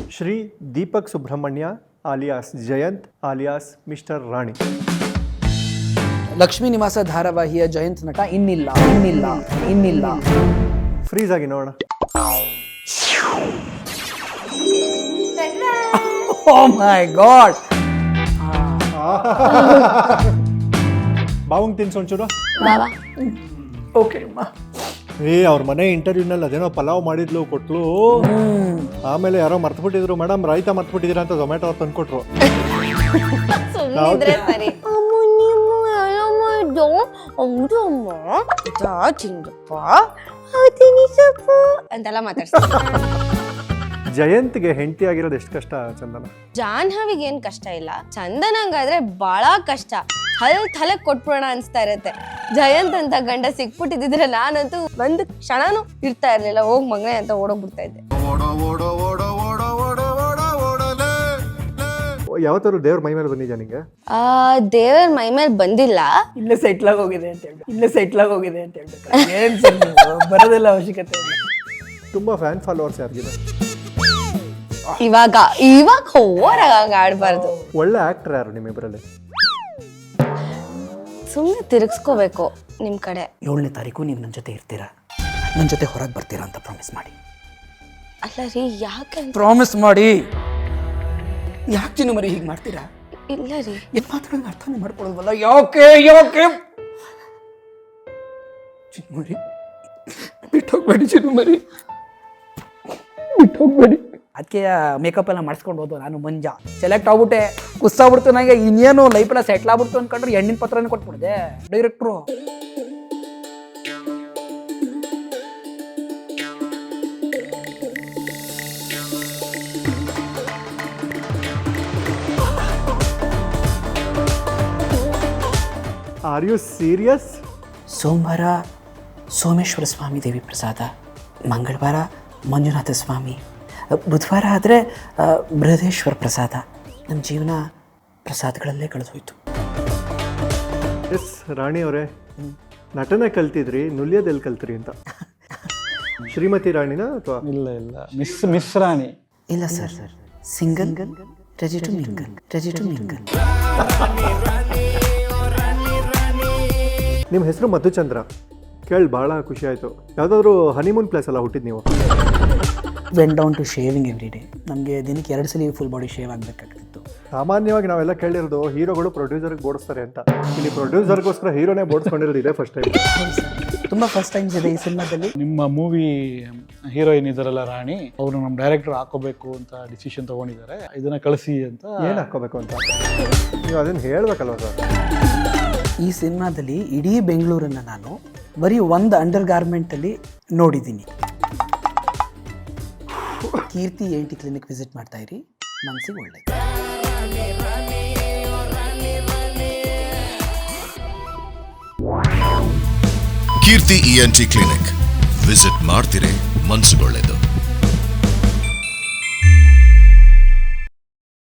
Shri Deepak Subrahmanya alias Jayant alias mister Rani. Lakshmi Nivasa ಧಾರಾವಾಹಿಯ ಜಯಂತ್ ನಟ ಇನ್ನಿಲ್ಲ. ಫ್ರೀಸ್ ಆಗಿ ನೋಡೋಣ. ಓ ಮೈ ಗಾಡ್. ಬಾವಂಗ್ ತಿನ್ಸು ಒಂಚೂರು. ಓಕೆ ಅಮ್ಮ. ಅವ್ರ ಮನೆ ಇಂಟರ್ವ್ಯೂನಲ್ಲಿ ಅದೇನೋ ಪಲಾವ್ ಮಾಡಿದ್ಲು ಕೊಟ್ಲು. ಆಮೇಲೆ ಯಾರೋ ಮರ್ತ್ಬಿಟ್ಟಿದ್ರು, ಮೇಡಮ್ ರಾಯ್ತಾ ಮರ್ತ್ಬಿಟ್ಟಿದ್ದೀರಾ ಅಂತ ಝೊಮ್ಯಾಟೊ ಅವ್ರು ತಂದ್ಕೊಟ್ರು. ಅಂತೆಲ್ಲ ಮಾತಾಡ್ತಾರೆ. ಜಯಂತ್ಗೆ ಹೆಂಡತಿ ಆಗಿರೋದು ಎಷ್ಟು ಕಷ್ಟ ಚಂದನ? ಜಾಹ್ನವಿಗೆ ಏನ್ ಕಷ್ಟ ಇಲ್ಲ, ಚಂದನಂಗಾದ್ರೆ ಬಹಳ ಕಷ್ಟ. ತಲೆ ಕೊಟ್ಬಿಡೋಣ ಅನ್ಸ್ತಾ ಇರತ್ತೆ. ಜಯಂತ್ ಅಂತ ಗಂಡ ಸಿಕ್ಬಿಟ್ಟಿದ್ರೆ ನಾನಂತೂ ಒಂದು ಕ್ಷಣನೂ ಇರ್ತಾ ಇರ್ಲಿಲ್ಲ. ಹೋಗ್ ಮಗನೇ ಅಂತ ಓಡೋಗ್ಬಿಡ್ತಾ ಇದ್ದೆ. ಯಾವತ್ತಾದ್ರು ದೇವ್ರ ಮೈ ಮೇಲೆ ಬಂದಿದ್ಯಾ ನಿಂಗೆ? ದೇವರ ಮೈ ಮೇಲೆ ಬಂದಿಲ್ಲ. ಇಲ್ಲೇ ಸೆಟ್ಲ್ ಆಗಿ ಹೋಗಿದೆ ಅಂತ ಹೇಳ್ಬೇಕು. ಏನ್ ಸರ್ ನೀವು ಬರೋದಿಲ್ಲ, ಅವಶ್ಯಕತೆ ಇಲ್ಲ. ತುಂಬಾ ಫ್ಯಾನ್ ಫಾಲೋವರ್ಸ್ ಯಾರಿಗಿದೆ? ಇವಾಗ ಹೋರಾಗ ಆಡ್ಬಾರ್ದು. ಒಳ್ಳೆ ಆಕ್ಟರ್ ಯಾರು ನಿಮ್ಮಿಬ್ಬರಲ್ಲಿ? ಸುಮ್ಮನೆ ತಿರುಗಿಸ್ಕೋಬೇಕು ನಿಮ್ ಕಡೆ. 7ನೇ ತಾರೀಕು ನೀವು ನನ್ನ ಜೊತೆ ಇರ್ತೀರಾ, ನನ್ನ ಜೊತೆ ಹೊರಗೆ ಬರ್ತೀರಾ ಅಂತ ಪ್ರಾಮಿಸ್ ಮಾಡಿ. ಅಲ್ಲ ರೀ, ಯಾಕೆ? ಪ್ರಾಮಿಸ್ ಮಾಡಿ. ಯಾಕೆ ಚಿನ್ನು ಮರಿ ಹೀಗೆ ಮಾಡ್ತೀರಾ? ಇಲ್ಲ ರೀ, ಏನ್ ಮಾತಾಡೋದು ಅರ್ಥನೇ ಮಾಡ್ಕೊಳ್ಳೋದಲ್ಲ. ಯಾಕೆ ಚಿನ್ನು ಮರಿ ಬಿಟ್ಟೋಗ್ಬೇಡಿ, ಚಿನ್ನು ಮರಿ ಬಿಟ್ಟೋಗ್ಬೇಡಿ. ಅದಕ್ಕೆ ಮೇಕಪ್ ಎಲ್ಲ ಮಾಡಿಸ್ಕೊಂಡು ಹೋದು. ನಾನು ಮಂಜ ಸೆಲೆಕ್ಟ್ ಆಗ್ಬಿಟ್ಟೆ, ಕುಸ್ಸಾಗ್ಬಿಡ್ತು. ನನಗೆ ಇನ್ನೇನು ಲೈಫ್ ಎಲ್ಲ ಸೆಟ್ಲ್ ಆಗ್ಬಿಡ್ತು ಅನ್ಕೊಂಡ್ರೆ ಹೆಣ್ಣಿನ ಪತ್ರನೇ ಕೊಟ್ಬಿಡ್ದೆ ಡೈರೆಕ್ಟ್ರು. Are you serious? ಸೋಮವಾರ ಸೋಮೇಶ್ವರ ಸ್ವಾಮಿ ದೇವಿ ಪ್ರಸಾದ, ಮಂಗಳವಾರ ಮಂಜುನಾಥ ಸ್ವಾಮಿ, ಬುಧವಾರ ಆದರೆ ಬೃಹದೇಶ್ವರ ಪ್ರಸಾದ. ನಮ್ಮ ಜೀವನ ಪ್ರಸಾದಗಳಲ್ಲೇ ಕಳೆದೋಯ್ತು. ಎಸ್ ರಾಣಿ ಅವರೇ, ನಟನೆ ಕಲ್ತಿದ್ರಿ, ನುಲಿಯೋದೆಲ್ಲಿ ಕಲ್ತ್ರಿ ಅಂತ? ಶ್ರೀಮತಿ ರಾಣಿನ ಅಥವಾ? ಇಲ್ಲ ಮಿಸ್ ರಾಣಿ. ಇಲ್ಲ sir, single ready to mingle. ನಿಮ್ಮ ಹೆಸರು ಮಧುಚಂದ್ರ, ಕೇಳಿ ಭಾಳ ಖುಷಿ ಆಯಿತು. ಯಾವುದಾದ್ರೂ ಹನಿಮೂನ್ ಪ್ಲೇಸ್ ಎಲ್ಲ ಹುಟ್ಟಿದ್ ನೀವು? Went down to shaving every day. ನಮಗೆ ದಿನಕ್ಕೆ 2 ಸಲ ಫುಲ್ ಬಾಡಿ ಶೇವ್ ಆಗಬೇಕಾಗ್ತಿತ್ತು. ಸಾಮಾನ್ಯವಾಗಿ ನಾವೆಲ್ಲ ಕೇಳಿರೋದು ಹೀರೋಗಳು ಪ್ರೊಡ್ಯೂಸರ್ಗೆ ಬೋಡಿಸ್ತಾರೆ ಅಂತ. ಇಲ್ಲಿ ಪ್ರೊಡ್ಯೂಸರ್ಗೋಸ್ಕರ ಹೀರೋನೇ ಬೋಡಿಸ್ಕೊಂಡಿರೋದು ಇದೆ ಫಸ್ಟ್ ಟೈಮ್. ತುಂಬ ಫಸ್ಟ್ ಟೈಮ್ಸ್ ಇದೆ ಈ ಸಿನಿಮಾದಲ್ಲಿ. ನಿಮ್ಮ ಮೂವಿ ಹೀರೋಯಿನ್ ಇದಾರಲ್ಲ ರಾಣಿ, ಅವರು ನಮ್ಮ ಡೈರೆಕ್ಟರ್ ಹಾಕೋಬೇಕು ಅಂತ ಡಿಸಿಷನ್ ತಗೊಂಡಿದ್ದಾರೆ, ಇದನ್ನ ಕಳಿಸಿ ಅಂತ. ಏನು ಹಾಕೋಬೇಕು ಅಂತ ನೀವು ಅದನ್ನು ಹೇಳ್ಬೇಕಲ್ವ ಸರ್? ಈ ಸಿನಿಮಾದಲ್ಲಿ ಇಡೀ ಬೆಂಗಳೂರನ್ನು ನಾನು ಬರೀ ಒಂದು ಅಂಡರ್ ಗಾರ್ಮೆಂಟಲ್ಲಿ ನೋಡಿದ್ದೀನಿ. ಕೀರ್ತಿ ANT ಕ್ಲಿನಿಕ್ ವಿಸಿಟ್ ಮಾಡ್ತಾ ಇರಿ, ಮನಸ್ಸಿಗೆ ಒಳ್ಳೆ. ಕೀರ್ತಿ ENT ಕ್ಲಿನಿಕ್ ವಿಸಿಟ್ ಮಾಡ್ತಿರೇ, ಮನಸ್ಸುಗೊಳ್ಳೆದು.